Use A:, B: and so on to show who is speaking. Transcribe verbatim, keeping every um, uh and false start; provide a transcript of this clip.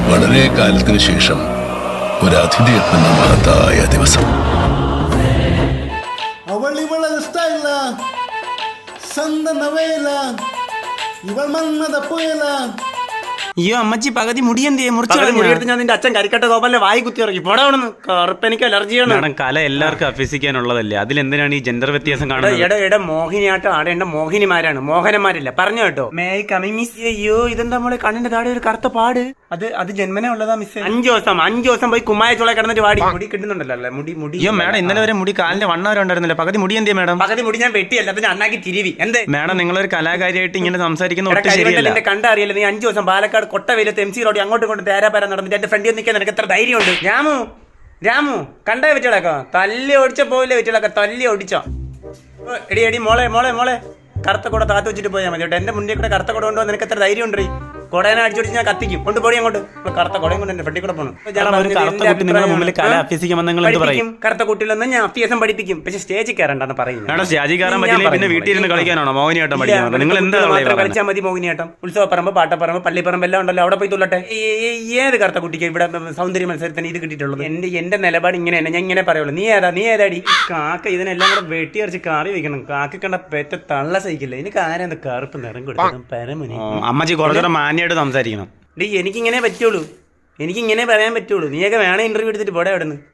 A: വളരെ കാലത്തിന് ശേഷം ഒരു അതിഥി എത്തുന്ന മഹത്തായ ദിവസം.
B: അവൾ ഇവളെ ഇഷ്ടമില്ല, സന്ത നവയില, ഇവൾ മന്നത പുയല.
C: അയ്യോ അമ്മച്ചി പകുതി മുടിയന്തേ മുറിച്ചു
D: മുടിയെടുത്ത് ഞാൻ നിന്റെ അച്ഛൻ കരിക്കട്ട ഗോപാലിന്റെ വായി കുത്തി ഇറങ്ങി പോടാ അവിടുന്ന്. കറുപ്പ് എനിക്ക് അലർജിയാണ്.
C: മാഡം കല എല്ലാവർക്കും അഭ്യസിക്കാനുള്ളതല്ലേ, അതിലെന്തിനാണ് ഈ ജെൻഡർ വ്യത്യാസം കാണുന്നത്?
D: എടെ എടെ മോഹിനിയാട്ടം ആടേണ്ട മോഹിനിമാരാണ്, മോഹനന്മാരല്ല. പറഞ്ഞു കേട്ടോ. May coming miss. അയ്യോ ഇതെന്താ നമ്മളെ കണ്ണിന്റെ താഴെ ഒരു കറുത്ത പാട്. അത് അത് ജന്മനെ ഉള്ളതാ മിസ്. അഞ്ചു ദിവസം അഞ്ചു ദിവസം പോയി കുമ്മായ ചോള കിടന്നിട്ട് വാടി. മുടി കിട്ടുന്നുണ്ടല്ലോ അല്ലേ? മുടി മുടി
C: അയ്യോ മാഡം ഇന്നലെ വരെ മുടി കാലിന്റെ വണ്ണം വരെ ഉണ്ടായിരുന്നില്ല, പകുതി മുടി എന്തേ മാഡം?
D: പകുതി മുടി ഞാൻ വെട്ടിയല്ല, പിന്നെ അണ്ണാക്കി തിരിവി. എന്ത്
C: മാഡം നിങ്ങളൊരു കലാകാരിയായിട്ട് ഇങ്ങനെ സംസാരിക്കുന്ന ഒട്ടും ശരിയല്ല.
D: കണ്ടറിയില്ല. നീ അഞ്ചു ദിവസം പാലക്കാട് കൊട്ട വെയിലത്ത് എം സി റോഡ് അങ്ങോട്ടും കൊണ്ട് തേരാപ്പാര നടന്നിട്ട് എന്റെ ഫ്രണ്ടിൽ നിൽക്കാൻ നിനക്ക് എത്ര ധൈര്യമുണ്ട്? രാമു രാമു കണ്ടേ വെറ്റിളക്കോ? തല്ലി ഓടിച്ച പോയില്ലേ വെറ്റിളക്ക? തല്ലി ഓടിച്ചോ? എടി എടി മോളെ മോളെ മോളെ കറുത്ത കൂടെ താത്ത് വെച്ചിട്ട് പോയാൽ മതി കേട്ടോ. എന്റെ മുന്നിൽ കൂടെ കറുത്ത കൂടെ കൊണ്ടുപോകാൻ നിനക്ക് എത്ര ധൈര്യം ഉണ്ട്? കൊടേനെ അടിച്ചോടിച്ച് ഞാൻ കത്തിക്കും. കൊണ്ട് പോടി അങ്ങോട്ട്. കറുത്ത കൊടയും കൊണ്ട് എന്റെ ഫ്രണ്ടിൽ കൂടെ പോകണം. കറുത്ത കുട്ടിയിലൊന്നും ഞാൻ അഭ്യാസം പഠിപ്പിക്കും, പക്ഷെ സ്റ്റേജിൽ കയറണ്ടെന്ന് പറയുന്നത്.
C: സ്റ്റേജിൽ കയറാൻ പറ്റില്ല, പിന്നെ വീട്ടിൽ ഇരുന്ന് കളിക്കാനാണോ മോഹിനിയാട്ടം പഠിക്കാൻ? നിങ്ങൾ എന്താ
D: കളിച്ചാൽ മതി മോഹിനിയാട്ടം. ഉത്സവപ്പറമ്പ്, പാട്ടപ്പറമ്പ്, പള്ളിപ്പറമ്പ് എല്ലാം ഉണ്ടല്ലോ, അവിടെ പോയി തുള്ളട്ടെ. ഏത് കറുത്ത കുട്ടിക്ക് ഇവിടെ സൗന്ദര്യ മത്സരത്തിന് ഇത് കിട്ടിയിട്ടുള്ളത്? എന്റെ എന്റെ നിലപാട് ഇങ്ങനെയാണ്, ഞാൻ ഇങ്ങനെ പറയുള്ളൂ. നീ ഏതാ നീ ഏതാടി? കാക്ക ഇതിനെല്ലാം കൂടെ വെട്ടിയറിച്ച് കറി വെക്കണം. കാക്ക കണ്ട പെറ്റ തള്ള സഹിക്കില്ല. എനിക്ക് ആരെന്താ കറുപ്പ് നിറം കൊടുക്കണം? പരമുനി
C: അമ്മച്ചി കുറച്ചുകൂടെ മാന്യമായിട്ട് സംസാരിക്കണം.
D: ഡി എനിക്കിങ്ങനെ പറ്റുള്ളൂ, എനിക്കിങ്ങനെ പറയാൻ പറ്റുള്ളൂ. നീയൊക്കെ വേണേ ഇന്റർവ്യൂ എടുത്തിട്ട് പോടെ അവിടെ നിന്ന്.